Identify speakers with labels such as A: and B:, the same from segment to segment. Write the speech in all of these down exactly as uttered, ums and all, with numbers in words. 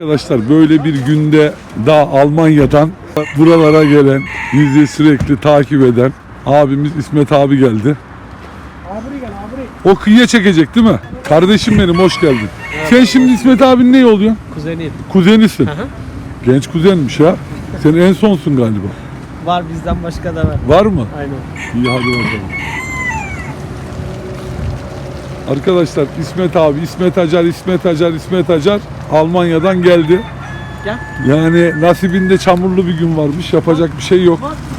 A: Arkadaşlar böyle bir günde daha Almanya'dan buralara gelen, bizi sürekli takip eden abimiz İsmet abi geldi.
B: Abri gel abri.
A: O kıyıya çekecek değil mi? Kardeşim benim, hoş geldin. Sen şimdi İsmet abinin ne oluyor?
B: Kuzeniyim.
A: Kuzenisin.
B: Hı hı.
A: Genç kuzenmiş ha. Sen en sonsun galiba.
B: Var bizden başka da var.
A: Var mı?
B: Aynen.
A: İyi, hadi bakalım. Arkadaşlar İsmet abi, İsmet Acar, İsmet Acar, İsmet Acar Almanya'dan geldi.
B: Gel.
A: Yani nasibinde çamurlu bir gün varmış. Yapacak bir şey yok.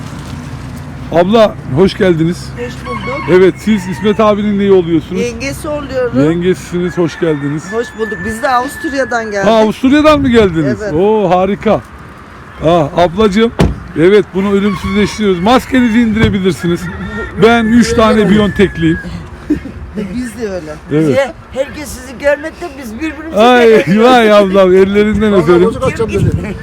A: Abla hoş geldiniz.
C: Hoş bulduk.
A: Evet, siz İsmet abinin neyi oluyorsunuz?
C: Yengesi oluyorum.
A: Yengesisiniz, hoş geldiniz.
C: Hoş bulduk. Biz de Avusturya'dan geldik.
A: Ha, Avusturya'dan mı geldiniz?
C: Evet.
A: Oo, harika. Ah, ablacığım, evet bunu ölümsüzleştiriyoruz. Maskenizi indirebilirsiniz. Ben üç tane Biontech'liyim.
C: Biz de öyle.
A: Evet.
D: Bize, herkes sizi görmekte biz birbirimizi
A: Ay
D: göremiyoruz.
A: vay ablam, ellerinden öperim.
E: Bozuk atacağım dedi.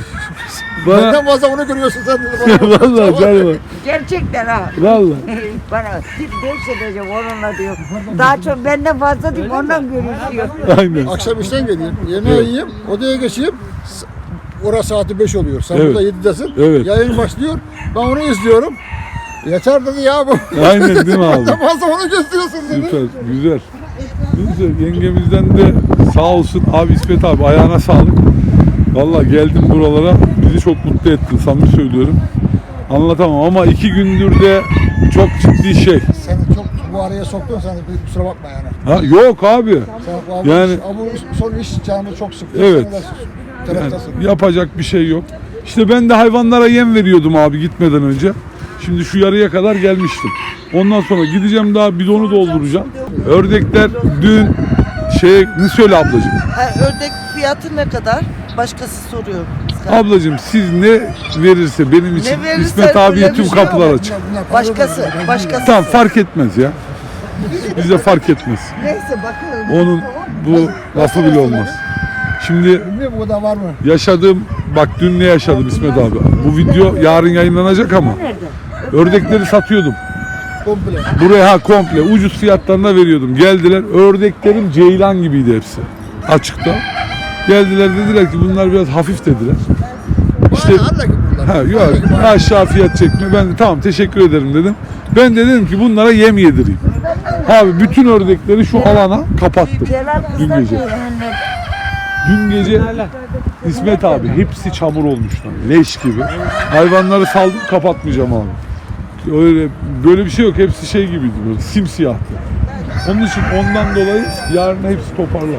A: Bana
E: Benden fazla onu görüyorsun sen dedi.
A: vallahi canım.
D: Gerçekten ha.
A: Vallahi.
D: Bana tip devş edeceğim onunla diyor. Daha çok benden fazla değil ondan görüşüyor.
A: Aynen.
E: Akşam işten geleyim, yemeği
A: Evet.
E: yiyeyim, odaya geçeyim. S- Orası saati beş oluyor. Sen
A: Evet.
E: burada yedidesin.
A: Evet.
E: Yayın başlıyor. Ben onu izliyorum. Yeter dedi ya bu.
A: Aynen değil mi abi?
E: Benden fazla onu gösteriyorsun dedi.
A: Süper, güzel. Güzel. Yengemizden de sağ olsun abi İsmet abi, ayağına sağlık. Vallahi geldim buralara, bizi çok mutlu ettin, samimi söylüyorum. Anlatamam ama iki gündür de çok ciddi şey.
E: Sen çok bu araya soktun, sen de kusura bakma yani.
A: Ha, yok abi.
E: Sen bu,
A: Yani-
E: yani, bu son iş canımı çok sıktı.
A: Evet.
E: Sen de
A: Yani
E: taraftasın.
A: yapacak bir şey yok. İşte ben de hayvanlara yem veriyordum abi gitmeden önce. Şimdi şu yarıya kadar gelmiştim. Ondan sonra gideceğim, daha bidonu dolduracağım. Ördekler dün şey, ne söyle ablacığım?
C: Ha, ördek fiyatı ne kadar? Başkası soruyor.
A: Ablacığım siz ne verirse benim için,
C: Ne verirse
A: İsmet abiye
C: öyle bir
A: tüm
C: şey
A: kapılar
C: yok.
A: açık.
E: Bunlar para
C: Başkası,
E: veriyor.
C: başkası.
A: Tamam, fark etmez ya. Bize fark etmez.
C: Neyse bakalım.
A: Onun bu lafı bile olmaz. Şimdi
E: Bilmiyorum bu kadar var mı?
A: yaşadığım, bak dün ne yaşadım İsmet abi. Bu video yarın yayınlanacak ama ördekleri satıyordum.
E: Komple.
A: Buraya ha komple ucuz fiyatlarına veriyordum. Geldiler, ördeklerim ceylan gibiydi hepsi. Açıkta. Geldiler, dediler ki bunlar biraz hafif dediler. İşte
E: İşte, Allah gibi bunlar.
A: ha yok,
E: Allah gibi.
A: aşağı fiyat çekme. Ben de tamam teşekkür ederim dedim. Ben de dedim ki bunlara yem yedireyim. Abi bütün ördekleri şu alana kapattım.
D: Celal
A: Dün
D: kızlar
A: gece.
D: diyor anne.
A: Dün gece İsmet abi hepsi çamur olmuşlar. Leş gibi. Hayvanları saldım, kapatmayacağım abi. Öyle böyle bir şey yok. Hepsi şey gibiydi, böyle simsiyahtı. Onun için ondan dolayı yarın hepsi toparlar.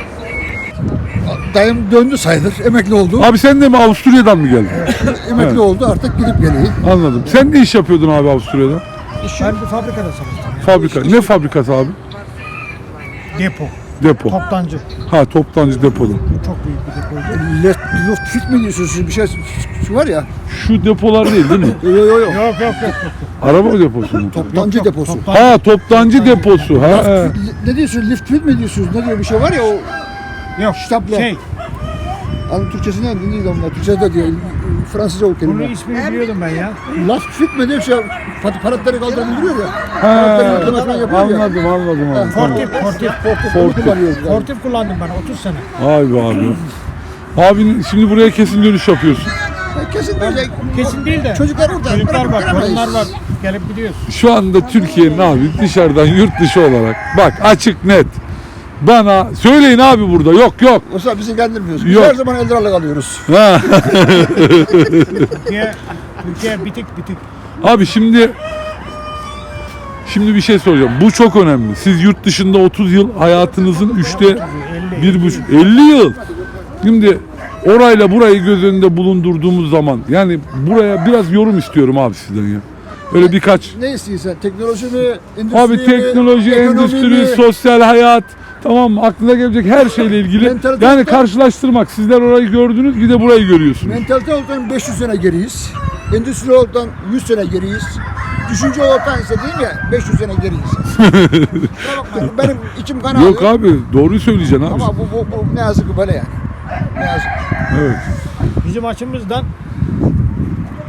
E: Dayım döndü sayılır. Emekli oldu.
A: Abi sen de mi Avusturya'dan mı geldin?
E: Emekli
A: Evet.
E: oldu. Artık gidip geleyim.
A: Anladım. Sen ne iş yapıyordun abi Avusturya'da?
B: Ben bir fabrikada çalıştım.
A: Fabrika. Ne fabrikası abi?
B: Depo.
A: Depo.
B: Toptancı.
A: Ha, toptancı depoda.
B: Çok büyük bir depoydu.
E: Left, Luft fit mi diyorsunuz siz? Bir şey şu var ya.
A: Şu depolar değil değil mi?
E: Yo yo yo.
B: Yok yok yok.
A: Araba deposu mu?
E: Toptancı
B: Yok, yok,
E: deposu.
B: toptancı.
A: Ha, toptancı deposu. Ha, he.
E: Ne diyorsunuz? Lift fit mi diyorsunuz? Ne diyor bir şey var ya o
B: Yok.
E: Ştapla.
B: Şey.
E: Anı Türkçesi ne? Ne diyor onlar? Türkçe'de de diyor. Fransızca o
B: Bunun
E: kelime.
B: ismini biliyordum ben ya.
E: Last fit mi diye bir şey. Pat- Paratları kaldırıp indiriyor ya.
A: Ha,
E: Paratları yükleme falan yapıyor ya.
A: anladım anladım abi. Tamam.
B: Fortif, fortif.
E: Onu
A: Fortif.
E: kullanıyoruz. yani.
B: Fortif kullandım ben otuz sene.
A: Vay be abi. Abi şimdi buraya kesin dönüş yapıyorsun.
E: Kesin diyecek.
B: Kesin değil de.
E: Çocuklar orada.
B: Çocuklar
E: bırakıp
B: var,
E: gelemeyiz.
B: torunlar var. Gelip gidiyoruz.
A: Şu anda Türkiye'nin abi dışarıdan yurt dışı olarak bak açık net. Bana söyleyin abi burada. Yok yok.
E: Oysa bizi ilgilendirmiyoruz. Biz
A: Yok.
E: her zaman eldrarla kalıyoruz.
A: Ha.
B: Türkiye, Türkiye bitik bitik.
A: Abi şimdi şimdi bir şey soracağım. Bu çok önemli. Siz yurt dışında otuz yıl hayatınızın üçte
B: elli,
A: bir buçuk elli yıl. Şimdi orayla burayı göz önünde bulundurduğumuz zaman yani buraya biraz yorum istiyorum abi sizden ya. Öyle birkaç.
E: Ne istiyorsan? Teknoloji mi? Endüstri
A: Abi
E: mi,
A: teknoloji,
E: ekonomi
A: endüstri,
E: mi?
A: sosyal hayat, tamam mı? Aklına gelecek her şeyle ilgili.
E: Mentalite-
A: Yani karşılaştırmak. Sizler orayı gördünüz, bir de burayı görüyorsunuz.
E: Mentalite olarak beş yüz sene geriyiz. Endüstri olarak yüz sene geriyiz. Düşünce olarak ise değil ya beş yüz sene geriyiz. Kusura bakmayın, benim içim kan
A: Yok
E: ağrıyor.
A: abi, doğruyu söyleyeceksin abi.
E: Ama bu, bu, bu ne yazık ki böyle yani. Ne yazık.
A: Evet.
B: Bizim açımızdan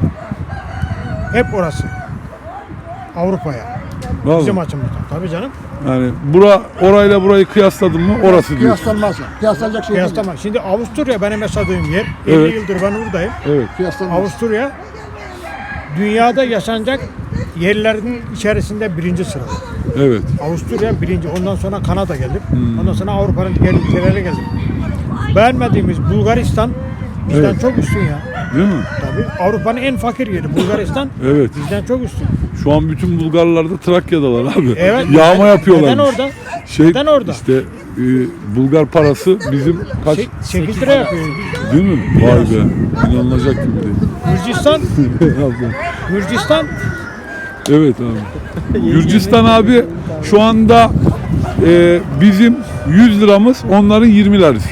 B: hep orası. Avrupa'ya. Bizim
A: Vallahi.
B: açımızdan. Tabii canım.
A: Yani bura orayla burayı kıyasladın mı orası diyor.
E: Kıyaslanmaz. Kıyaslanacak şey değil.
B: Kıyaslama. Şimdi Avusturya benim yaşadığım yer.
A: Evet.
B: elli yıldır ben buradayım.
A: Evet.
E: Kıyaslanmaz.
B: Avusturya dünyada yaşanacak yerlerin içerisinde birinci sırada.
A: Evet.
B: Avusturya birinci. Ondan sonra Kanada geldi. Ondan sonra Avrupa'nın diğer ülkelerine geldi. Beğenmediğimiz Bulgaristan bizden
A: Evet.
B: çok üstün ya.
A: Değil mi?
B: Tabii. Avrupa'nın en fakir yeri Bulgaristan
A: Evet.
B: bizden çok üstün.
A: Şu an bütün Bulgarlar da Trakya'dalar abi.
B: Evet.
A: Yağma
B: neden-
A: yapıyorlar.
B: Neden orada?
A: Şey,
B: Neden orada?
A: İşte e, Bulgar parası bizim kaç
B: Şey- sekiz lira yapıyor.
A: değil mi? Vay be. İnanılacak gibi değil.
B: Gürcistan, Gürcistan
A: Evet abi. Gürcistan abi şu anda e, bizim yüz liramız onların yirmi lirası.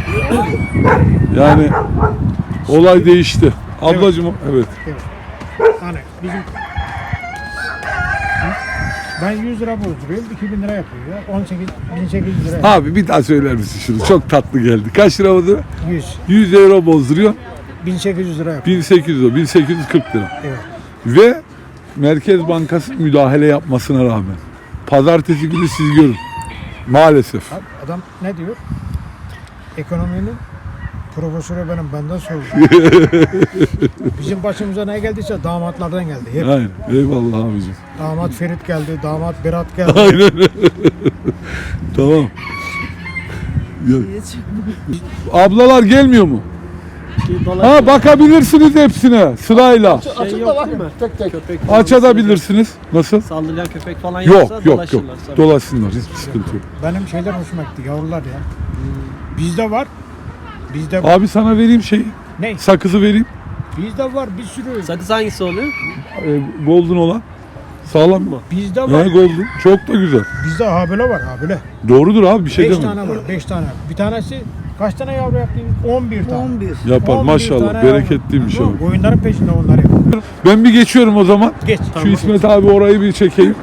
A: Yani olay değişti. Ablacığım evet.
B: hani bizim ben yüz lira bozduruyorum, iki bin lira yapıyor ya. on sekiz bin sekiz yüz lira yapıyor.
A: Abi bir daha söyler misin şunu? Çok tatlı geldi. Kaç lira oldu?
B: yüz
A: yüz euro bozduruyor.
B: bin sekiz yüz lira yapıyor.
A: bin sekiz yüz, bin sekiz yüz kırk lira.
B: Evet.
A: Ve Merkez Bankası müdahale yapmasına rağmen pazartesi günü siz görün. Maalesef.
B: Abi adam ne diyor? Ekonominin profesörü benim, benden sordu. Bizim başımıza ne geldiyse damatlardan geldi. Hep.
A: Aynen. Eyvallah abicim.
B: Damat Ferit geldi, damat Berat geldi.
A: Aynen. Tamam. Ya- Ablalar gelmiyor mu? Ha bakabilirsiniz hepsine sırayla.
E: Açık da bakın. Tek tek.
A: Açabilirsiniz. Nasıl?
F: Saldırgan köpek falan yoksa
A: Yok yok yok.
F: dolaşırlar. Tabii.
A: Dolaşsınlar. Hiçbir sıkıntı yok.
B: Benim şeyler hoşuma gitti, yavrular ya. Bizde var. Bizde var.
A: Abi sana vereyim şey.
B: Ne?
A: Sakızı vereyim.
B: Bizde var bir sürü.
F: Sakız hangisi oluyor?
A: Ee, golden olan. Sağlam mı?
B: Bizde
A: Ha,
B: var.
A: golden. Çok da güzel.
B: Bizde habile var, habile.
A: Doğrudur abi bir şey
B: beş
A: demem.
B: tane var, beş tane. Bir tanesi kaç tane yavru yaptı? on bir tane.
C: on bir.
A: Yapar
B: on bir
A: maşallah.
B: tane yavru.
A: Bereketliymiş
B: Yok,
A: abi.
B: Oyunların peşinde onlar yapıyor.
A: Ben bir geçiyorum o zaman.
B: Geç.
A: Şu İsmet abi orayı bir çekeyim.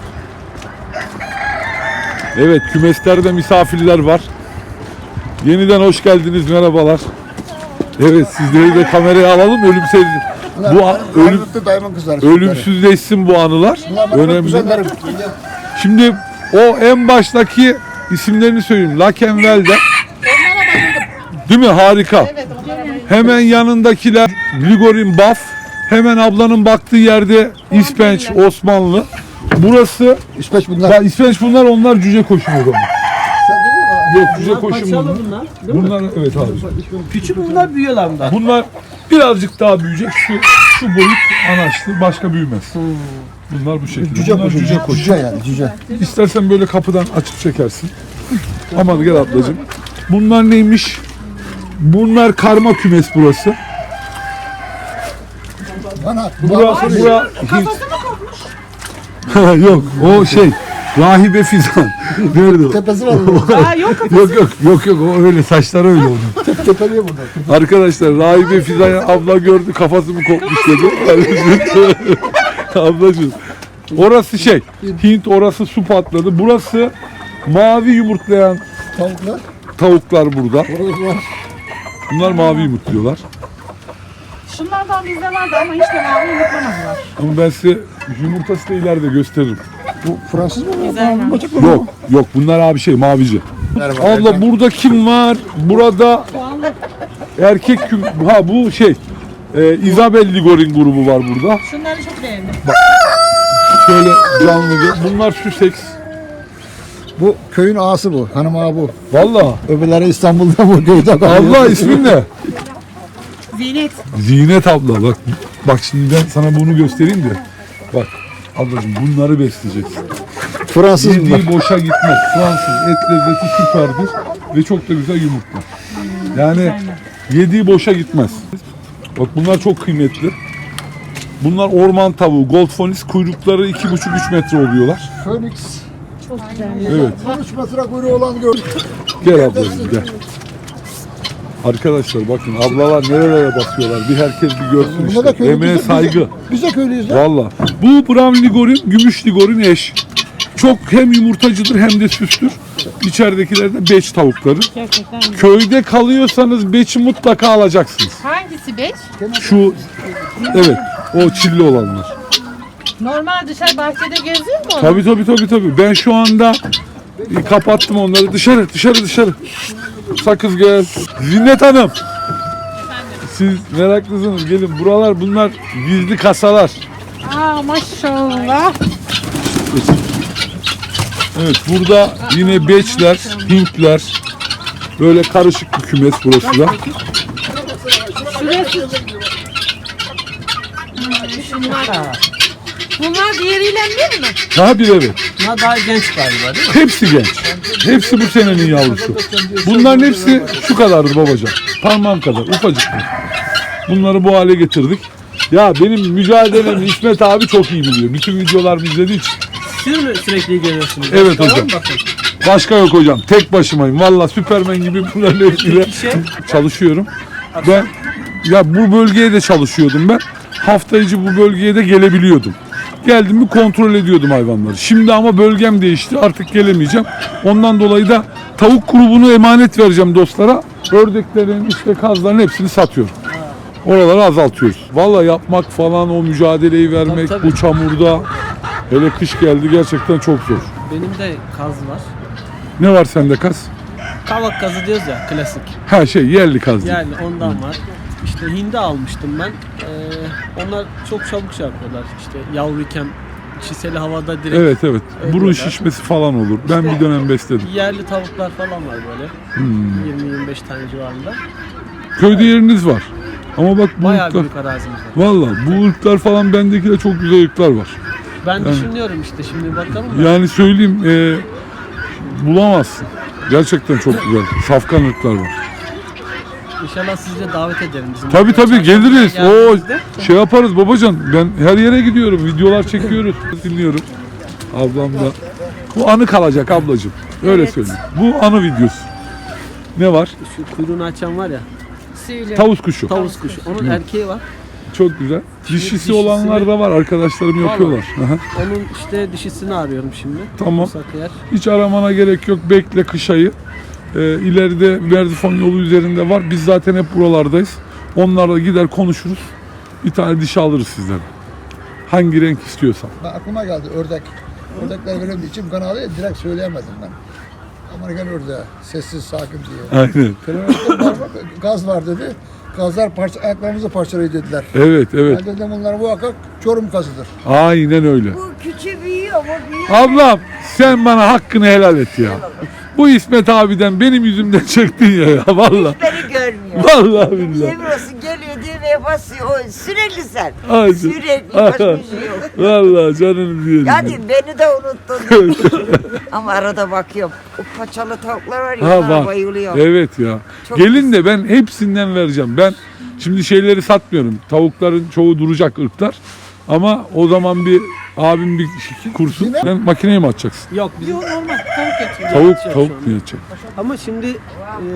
A: Evet kümeslerde misafirler var. Yeniden hoş geldiniz, merhabalar. Evet sizleri de kameraya alalım ölümsüz. Bu a- ölüm,
E: Ölümsüz dayımın kızları.
A: ölümsüzleşsin bu anılar.
E: Bunlar benim
A: Önemli.
E: kuzenlerim.
A: Şimdi o en baştaki isimlerini söyleyeyim. Lakenvel'de. Değil mi? Harika. Hemen yanındakiler Ligorin Baf. Hemen ablanın baktığı yerde İspenç Osmanlı. Burası
E: İspeç bunlar.
A: ya İspenç bunlar, onlar cüce koşun o zaman. Yok cüce
F: Bunlar
A: koşun
F: paçalı
A: bunlar.
F: bunlar. Değil mi?
A: Bunlar evet abi.
F: Küçük bunlar büyüyorlar bunlar.
A: Bunlar birazcık daha büyüyecek. Şu şu boyut anaçlı, başka büyümez. Bunlar bu şekilde.
E: Cüce
A: Bunlar
E: koşu.
A: cüce koşun.
E: Cüce yani cüce.
A: İstersen böyle kapıdan açıp çekersin. Aman gel ablacığım. Bunlar neymiş? Bunlar karma kümes burası.
E: Bana.
A: Burası bura Hint. Yok o şey Rahibe Fizan. Nerede o?
E: Tepesi var burada.
A: Yok yok yok yok o öyle saçları öyle onun.
E: Tepeliyor burada.
A: Arkadaşlar Rahibe Fizan abla gördü kafası mı kopmuş dedi. Ablacığım. Orası şey Hint, orası su patladı. Burası mavi yumurtlayan
E: Tavuklar.
A: tavuklar burada.
E: Orada var.
A: Bunlar mavi yumurtluyorlar.
G: Şunlardan bizde vardı ama hiç de mavi yumurtlamadılar.
A: Ama ben size yumurtası da ileride gösteririm.
E: Bu Fransız mı?
G: Güzel.
E: Bacak mı?
A: Yok yok bunlar abi şey mavici.
E: Merhaba.
A: Abla burada kim var? Burada erkek küm... Ha bu şey e, Isabel Ligorin grubu var burada.
G: Şunları çok beğendim.
A: Şöyle canlı bir. Bunlar Sussex.
E: Bu köyün ağası bu. Hanım ağa bu.
A: Valla.
E: Öbürleri İstanbul'da bu köyde kalıyor.
A: Abla ismin ne?
G: Zinet.
A: Zinet abla bak. Bak şimdi ben sana bunu göstereyim de. Bak ablacığım bunları besleyeceksin.
E: Fransız bunlar.
A: Yediği boşa gitmez. Fransız et lezzeti süperdir ve çok da güzel yumurtlar. Yani yediği boşa gitmez. Bak bunlar çok kıymetli. Bunlar orman tavuğu, Goldfonis, kuyrukları iki buçuk üç metre oluyorlar.
E: Phoenix.
A: Evet.
E: on üç metre kuyruğu olan gördük.
A: Gel ablacığım gel. Arkadaşlar bakın ablalar nerelere basıyorlar. Bir herkes bir görsün
E: Bunda
A: işte.
E: da köylü.
A: Emeğe
E: biz de-
A: saygı.
E: Biz de köylüyüz lan.
A: Valla. Bu Brown Ligorin, Gümüş Ligorin eş. Çok hem yumurtacıdır hem de süstür. İçeridekiler de beç tavukları.
G: Gerçekten güzel.
A: Köyde kalıyorsanız beçi mutlaka alacaksınız.
G: Hangisi beş?
A: Şu evet o çilli olanlar.
G: Normal dışarı bahçede geziyor mu?
A: Tabii tabii tabii tabii. Ben şu anda e, kapattım onları. Dışarı dışarı dışarı. Sakız gel. Zinnet Hanım. Siz meraklısınız. Gelin. Buralar bunlar gizli kasalar.
G: Aa maşallah.
A: Evet burada yine beçler, Hintler. Böyle karışık bir kümes burası da.
G: Bunlar diğeriyle bir mi?
A: Daha bir evet.
F: Bunlar daha genç galiba değil mi?
A: Hepsi genç. Hepsi bu senenin yavrusu. Bunların hepsi şu kadardı babacan. Parmağım kadar ufacıktı. Bunları bu hale getirdik. Ya benim mücadelemi İsmet abi çok iyi biliyor. Bütün videolarımı izlediği için.
F: Siz mi sürekli ilgileniyorsunuz?
A: Evet
F: Tamam,
A: hocam.
F: bakın.
A: Başka yok hocam. Tek başımayım. Valla Süpermen gibi bunların hepsiyle
F: Şey,
A: çalışıyorum. Ben ya bu bölgeye de çalışıyordum ben. Hafta içi bu bölgeye de gelebiliyordum. Geldim mi kontrol ediyordum hayvanları. Şimdi ama bölgem değişti. Artık gelemeyeceğim. Ondan dolayı da tavuk grubunu emanet vereceğim dostlara. Ördeklerin, işte kazların hepsini satıyorum. Oraları azaltıyoruz. Valla yapmak falan, o mücadeleyi vermek
F: Tabii, tabii.
A: bu çamurda, hele kış geldi, gerçekten çok zor.
F: benim de kaz var.
A: Ne var sende kaz?
F: Kavak kazı diyoruz ya, klasik.
A: Ha şey yerli kaz değil.
F: Yani ondan var. İşte hindi almıştım ben. Ee, onlar çok çabuk şey yapıyorlar. İşte yavruyken çiseli havada direkt.
A: Evet evet.
F: Öyle
A: Burun
F: diyorlar.
A: şişmesi falan olur. Ben bir dönem besledim.
F: Yerli tavuklar falan var böyle.
A: Hmm.
F: yirmi yirmi beş tane civarında.
A: Köyde yeriniz var. Ama bak bu
F: Bayağı
A: ırklar.
F: büyük arazimiz var.
A: Valla bu ırklar falan, bendeki de çok güzel ırklar var.
F: Ben
A: Yani-
F: düşünüyorum işte şimdi bakalım da.
A: Yani söyleyeyim e, bulamazsın. Gerçekten çok güzel. Safkan ırklar var.
F: İnşallah sizi de davet ederim bizim.
A: Tabii tabii geliriz. O
F: Geldiğinizde.
A: şey yaparız babacan. Ben her yere gidiyorum. Videolar çekiyoruz. Dinliyorum. Ablam da. Bu anı kalacak ablacığım. Öyle
D: Evet.
A: söyleyeyim. Bu anı videosu. Ne var?
F: Şu kuyruğunu açan var ya.
A: Tavus kuşu.
F: Tavus kuşu. Onun erkeği var.
A: Çok güzel. Dişisi
F: dişisi-
A: olanlar da var. Arkadaşlarım yapıyorlar. Aha.
F: Onun işte dişisini arıyorum şimdi.
A: Tamam.
F: Sakıyer.
A: Hiç aramana gerek yok. Bekle kış ayı. Ee, ileride Merzifon yolu üzerinde var. Biz zaten hep buralardayız. Onlarla gider konuşuruz. Bir tane dişi alırız sizden. Hangi renk istiyorsan.
E: Ben aklıma geldi ördek. Ördekler benim içim kan ağrıyor, direkt söyleyemedim ben. Amerikan ördeği, sessiz, sakin diye.
A: Aynen.
E: Telefonda var mı? Gaz var dedi. Gazlar parça, ayaklarımızı parçalıyor dediler.
A: Evet evet.
E: Ben dedim bunlar muhakkak Çorum kazıdır.
A: Aynen öyle.
D: Bu küçüğü büyüyor, bu büyüyor.
A: Ablam sen bana hakkını helal et ya. Bu İsmet abiden benim yüzümden çektin ya, ya valla.
D: Beni görmüyor.
A: Vallahi billahi.
D: Yemin olsun geliyor düğmeye basıyor. O sürekli sen.
A: Ay,
D: Sürekli başka bir şey yok.
A: Vallahi canım diyelim.
D: Yani beni de unuttun. Ama arada bakıyorum. O paçalı tavuklar var ya,
A: Ha
D: onlara
A: var.
D: bayılıyorum.
A: Evet ya.
D: Çok
A: Gelin de ben hepsinden vereceğim. Ben şimdi şeyleri satmıyorum. Tavukların çoğu duracak ırklar. Ama o zaman bir abim bir kursun. Sen makineye mi atacaksın?
F: Yok bizim
G: Yok normal tavuk eti.
A: Tavuk
F: Yatacak
A: tavuk
F: şu
A: mu
F: anda.
A: yatacak?
F: Ama şimdi e,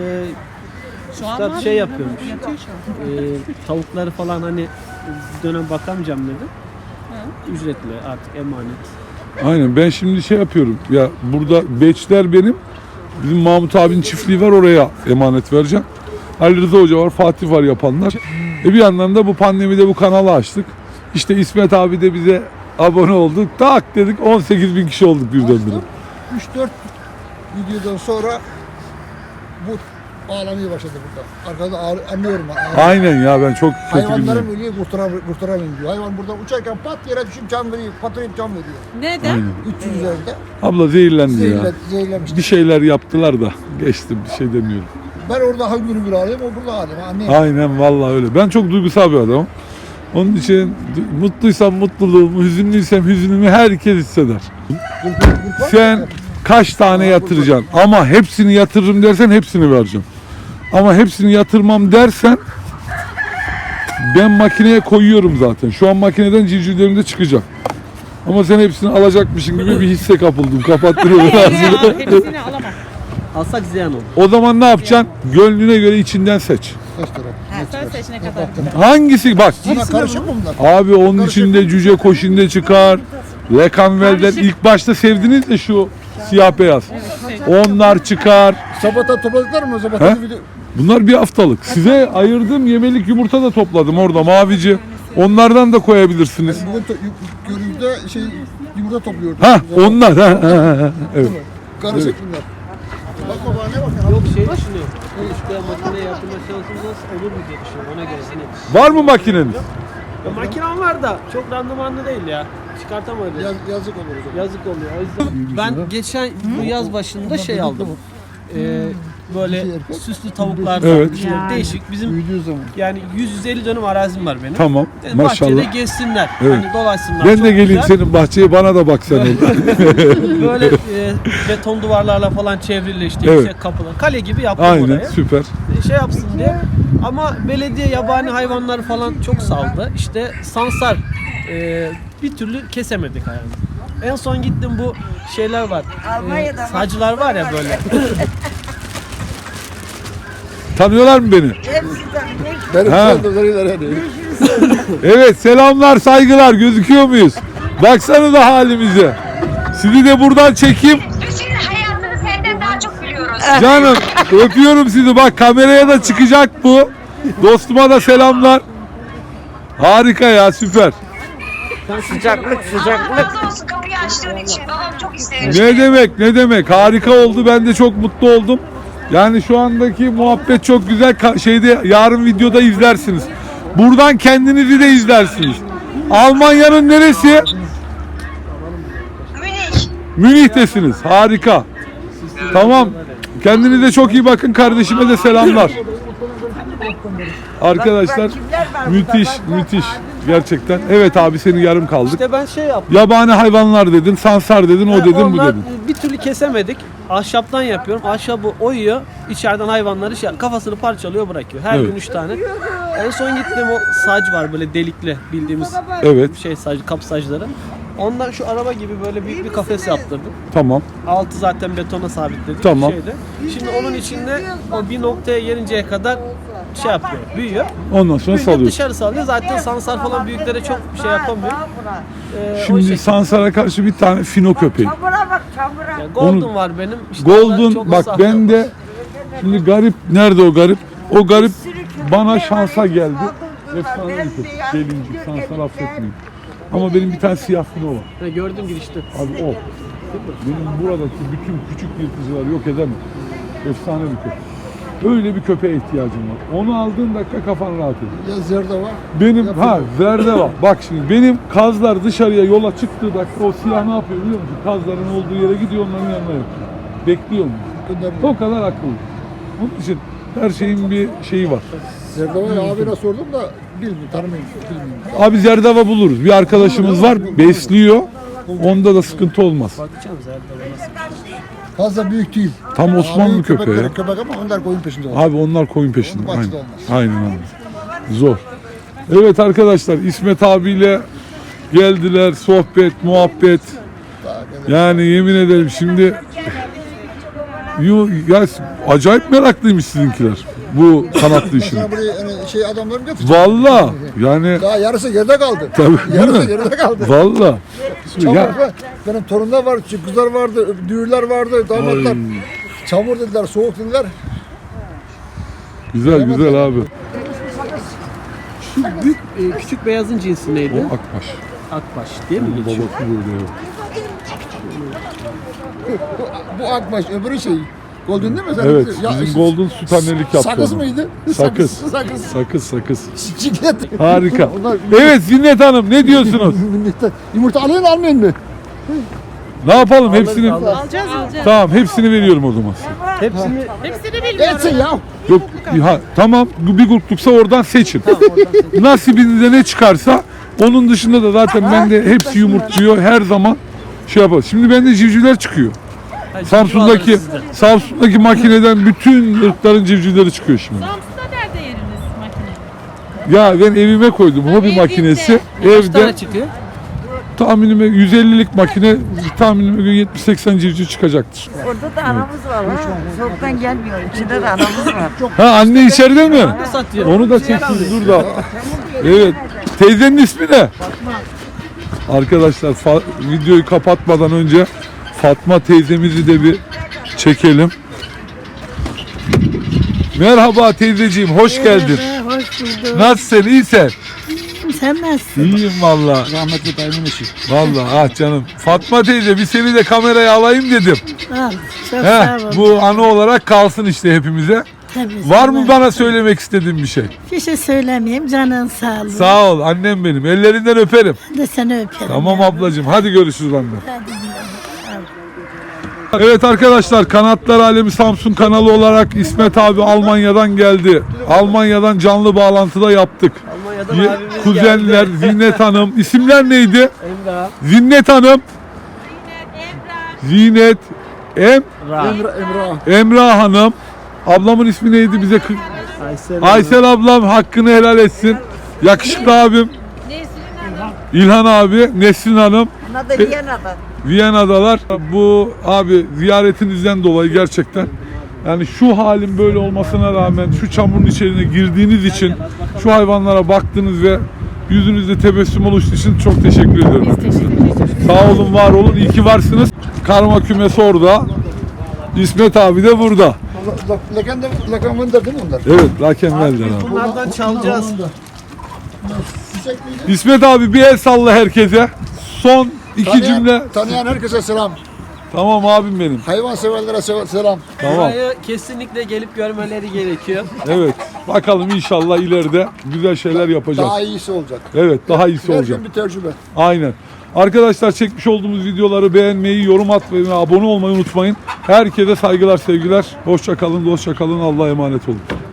G: Şu an
F: Üstad
G: var
F: şey
G: mı?
F: yapıyormuş.
G: Yatıyor şu an.
F: e, tavukları falan hani bir dönem bakamayacağım dedi. Ücretli artık emanet.
A: Aynen, ben şimdi şey yapıyorum. Ya burada beçler benim. Bizim Mahmut abinin çiftliği var, oraya emanet vereceğim. Ali Rıza Hoca var, Fatih var yapanlar. E bir yandan da bu pandemide bu kanalı açtık. İşte İsmet abi de bize abone olduk. Tak dedik, on sekiz bin kişi olduk birdenbire.
E: üç dört videodan sonra bu ağlamaya başladı burada. Arkada ağrı, anlıyorum ben.
A: Aynen ya, ben çok kötü
E: Hayvanların
A: bilmiyorum.
E: ölüyor, kurtaram- kurtaramayın diyor. Hayvan buradan uçarken pat yere düşüp can veriyor, patlayıp can veriyor.
G: Neden?
A: Aynen.
E: üç yüz üzerinde
A: Abla zehirlendi ya.
E: zehirle, zehirlemişti.
A: Bir şeyler yaptılar da geçtim, bir şey demiyorum.
E: Ben orada hangi gün ağlıyorum, o burada ağlıyorum. Anlayayım.
A: Aynen vallahi öyle. Ben çok duygusal bir adamım. Onun için du- mutluysam mutluluğumu, hüzünlüysem hüzünümü herkes hisseder. Sen kaç tane yatıracaksın ama hepsini yatırırım dersen hepsini vereceğim. Ama hepsini yatırmam dersen ben makineye koyuyorum zaten. Şu an makineden civcivlerimde çıkacak. Ama sen hepsini alacakmışın gibi bir hisse kapıldım. Kapattırıyorum ağzını.
G: Ya, hepsini alamam.
F: Alsak ziyan olur.
A: O zaman ne yapacaksın? Gönlüne göre içinden seç.
E: Kaç lira?
G: Sen seçene kadar.
A: Hangisi? Bak.
E: Buna karışık mı bunlar?
A: Abi onun içinde cüce koşinde çıkar. Lekanvel'den ilk başta sevdiniz de şu siyah beyaz. Onlar çıkar.
E: Sabata topladıklar mı?
A: He?
E: Sabata video...
A: Bunlar bir haftalık. Size ayırdığım yemelik yumurta da topladım orada, mavici. Onlardan da koyabilirsiniz.
E: Bugün to- yu- görüntüde şey yumurta topluyordu.
A: Ha onlar ha, ha, ha. Evet.
E: Karışık bunlar. Bak baba ne bak.
F: Yok şey düşünüyorum. İşte makine yaptırma şansımız nasıl olur mu diye düşünüyorum. Ona göre hani.
A: Var mı makineniz?
F: Ya makinem var da çok randımanlı değil ya. Çıkartamayız.
E: Yaz, yazık olur o zaman.
F: Yazık oluyor. O yüzden ben geçen bu yaz başında şey aldım. Ee, böyle süslü tavuklardan
A: Evet.
F: işte değişik bizim
E: Büyüdüğü zaman.
F: yani yüz yüz elli dönüm arazim var benim.
A: Tamam.
F: Yani bahçede
A: Maşallah.
F: gezsinler.
A: Evet.
F: Hani dolaşsınlar.
A: Ben
F: Çok
A: de geleyim
F: güzel.
A: senin bahçeye, bana da bak sen orada.
F: Böyle e, beton duvarlarla falan çevrili işte
A: Evet.
F: yüksek kapılar. Kale gibi yaptım
A: Aynen,
F: orayı.
A: süper.
F: Şey yapsın diye. Ama belediye yabani hayvanları falan çok saldı. İşte sansar e, bir türlü kesemedik hayvanı. En son gittim bu şeyler var.
D: Almanya'da
F: E, sacılar var ya böyle.
A: Tanıyorlar mı beni?
D: Hepsinden
E: Benim
A: Ha.
E: saldırıları hani.
A: Evet, selamlar, saygılar. Gözüküyor muyuz? Baksanıza halimize. Sizi de buradan çekeyim.
H: Biz senin hayatını senden daha çok biliyoruz.
A: Canım, öpüyorum sizi. Bak kameraya da çıkacak bu. Dostuma da selamlar. Harika ya, süper.
D: sıcaklık sıcaklık.
H: Allah razı olsun kapıyı açtığın için. Babam çok isterim.
A: Ne demek, ne demek. Harika oldu. Ben de çok mutlu oldum. Yani şu andaki muhabbet çok güzel. Ka- Şeyde yarın videoda izlersiniz. Buradan kendinizi de izlersiniz. Almanya'nın neresi?
H: Münih.
A: Münih'tesiniz. Harika. Tamam. Kendinize çok iyi bakın. Kardeşime de selamlar. Arkadaşlar müthiş, müthiş. Gerçekten. Evet abi, senin yarım kaldık.
F: İşte ben şey yaptım.
A: Yabani hayvanlar dedin, sansar dedin, o dedin, bu
F: Onlar
A: dedin.
F: bir türlü kesemedik. Ahşaptan yapıyorum. Ahşabı oyuyor. İçeriden hayvanları şey, kafasını parçalıyor, bırakıyor. Her
A: Evet.
F: gün üç tane. En son gittiğim o sac var böyle delikli bildiğimiz
A: Evet,
F: şey sac, kapı sacları. Ondan şu araba gibi böyle büyük bir kafes yaptırdım.
A: tamam.
F: Altı zaten betona sabitledik.
A: Tamam.
F: Şeyde. Şimdi onun içinde o bir noktaya gelinceye kadar şey yapıyor, büyüyor.
A: Ondan sonra
F: Büyüyünce
A: salıyorsun.
F: dışarı salıyor. Zaten sansar falan büyüklere çok bir şey yapamıyor. Ee, o
A: Şimdi
F: şekilde.
A: sansara karşı bir tane fino köpeği.
D: Çamura bak çamura.
F: Ya Golden
A: Onu-
F: var benim. İşte onlar
A: Golden,
F: çok
A: bak
F: ıslah
A: ben de şimdi garip, nerede o garip? O garip bana şansa geldi. Efsane bir köpek. Gelincik, sansar affetmeyin. Ama benim bir tane siyah fino var.
F: Ha, gördüm girişte.
A: Abi o. Benim buradaki bütün küçük yırtıcıları yok edemem. Efsane bir köpek. Öyle bir köpeğe ihtiyacım var. Onu aldığın dakika kafan rahat ediyor.
E: Ya zerde var.
A: Benim ha zerde var. Bak şimdi benim kazlar dışarıya yola çıktığı dakika o siyah ne yapıyor biliyor musun? Kazların olduğu yere gidiyor, onların yanına yapıyor. Bekliyor mu?
E: Göndermiyor.
A: O kadar akıllı. Onun için her şeyin bir şeyi var.
E: Zerde var abine sordum da bilmiyorum, tanımıyorum, bilmiyorum.
A: Abi zerdava buluruz. Bir arkadaşımız var, besliyor. Onda da sıkıntı olmaz.
F: Bakacağım zaten nasıl.
E: Fazla büyük değil.
A: Tam Osmanlı
E: Abi
A: köpeği ya.
E: köpek, köpek ama onlar koyun peşinde var.
A: Abi onlar koyun peşinde.
E: Onun
A: Aynen.
E: bahçede olmaz.
A: Aynen abi. Zor. Evet arkadaşlar, İsmet abiyle geldiler, sohbet, muhabbet. Yani yemin ederim şimdi yu, ya, acayip meraklıymış sizinkiler bu kanatlı işine.
E: Sana buraya hani şey adamlarım getirdi.
A: Valla yani
E: Daha yarısı geride kaldı.
A: tabii değil
E: Yarısı
A: mi?
E: geride kaldı.
A: Valla.
E: Çamur
A: Ya,
E: var. Benim torunlar var, kızlar vardı, düğürler vardı, damatlar.
A: Ay.
E: Çamur dediler, soğuk dediler.
A: güzel güzel abi.
F: Şu büyük e, küçük beyazın cinsi neydi?
A: O akbaş.
F: Akbaş değil mi geçiyor?
A: Babası böyle. evet.
E: Bu akbaş, öbürü şey. Golden değil mi? Sen
A: Evet,
E: ya,
A: bizim Golden süt annelik yaptı.
E: Sakız
A: onu.
E: mıydı?
A: Sakız.
E: Sakız.
A: Sakız sakız.
E: Ciklet.
A: Harika.
E: Onlar-
A: Evet Zinnet Hanım, ne diyorsunuz?
E: Yumurta alın almayın mı?
A: Ne yapalım hepsini?
F: alırız.
G: Alacağız alacağız.
A: Tamam, hepsini veriyorum o zaman size.
F: Hepsini
G: Hepsini bilmiyorum.
E: Etsin ya.
A: Yok ha, tamam, bir grupluksa oradan seçin. Nasibinize ne çıkarsa, onun dışında da zaten bende hepsi yumurtluyor her zaman şey yapar. Şimdi bende civcivler çıkıyor.
F: Ha,
A: Samsun'daki
F: alırız sizden.
A: Samsun'daki makineden bütün ırkların civcivleri çıkıyor şimdi.
G: Samsun'da nerede yeriniz makine?
A: Ya ben evime koydum hobi
G: Evinde.
A: makinesi.
F: Kaç tane
A: Evde
F: çıkıyor?
A: tahminime yüz ellilik makine, tahminime göre yetmiş seksen civciv çıkacaktır.
D: Orada da anamız var ha. Soğuktan gelmiyor. İçinde de anamız var.
A: Ha, anne içeride mi?
F: Ne satıyor?
A: Onu da çeksin dur da. Evet. Teyzenin ismi ne? Arkadaşlar fa- videoyu kapatmadan önce Fatma teyzemizi de bir çekelim. Merhaba teyzeciğim, hoş geldin.
D: Hoş bulduk.
A: Nasılsın, iyisin?
I: Sen nasılsın?
A: İyiyim valla.
E: Rahmetli dayımın eşi.
A: Valla ah canım. Fatma teyze bir seni de kameraya alayım dedim.
I: Al. Çok
A: He,
I: sağ ol.
A: bu anı olarak kalsın işte hepimize.
I: Tabii,
A: Var mı
I: sana-
A: bana söylemek istediğin bir şey?
I: Bir şey söylemeyeyim. Canın sağ ol.
A: Sağ ol annem benim. Ellerinden öperim.
I: Ben de seni öperim.
A: Tamam
I: yavrum.
A: ablacığım. Hadi görüşürüz anne.
I: Hadi güle.
A: Evet arkadaşlar, Kanatlar Alemi Samsun kanalı olarak İsmet abi Almanya'dan geldi. Almanya'dan canlı bağlantıda yaptık.
F: Almanya'dan
A: Ye-
F: abimiz
A: Kuzenler,
F: geldi.
A: Zinnet Hanım. İsimler neydi?
F: Emrah.
A: Zinnet Hanım. Zinet Em
F: Ra.
E: Emre, Emre.
A: Emrah Hanım. Ablamın ismi neydi bize? kı-
F: Aysel.
A: Aysel ablam hakkını helal etsin. Yakışıklı abim. İlhan abi, Nesrin Hanım.
D: Buna da Viyana'da.
A: Viyana'dalar. Bu abi ziyaretinizden dolayı gerçekten yani şu halin böyle olmasına rağmen şu çamurun içine girdiğiniz için, şu hayvanlara baktınız ve yüzünüzde tebessüm oluştuğu için çok teşekkür ediyorum. hepinize. Sağ olun, var olun, iyi ki varsınız. Karma kümesi orada. İsmet abi de burada.
E: Lakan da lakan vındır değil mi onlar?
A: Evet, Lakenvel'den abi.
F: Bunlardan çalacağız.
A: İsmet abi bir el salla herkese. Son iki
E: Tanıyan,
A: cümle.
E: tanıyan herkese selam.
A: Tamam abim benim.
E: Hayvan severlere se- selam.
A: Tamam.
F: Burayı kesinlikle gelip görmeleri gerekiyor.
A: Evet. Bakalım inşallah ileride güzel şeyler yapacağız.
E: Daha iyisi olacak.
A: Evet, daha iyisi
E: Her
A: olacak.
E: gün bir tecrübe.
A: Aynen. Arkadaşlar, çekmiş olduğumuz videoları beğenmeyi, yorum atmayı ve abone olmayı unutmayın. Herkese saygılar, sevgiler. Hoşça kalın, dostça kalın. Allah'a emanet olun.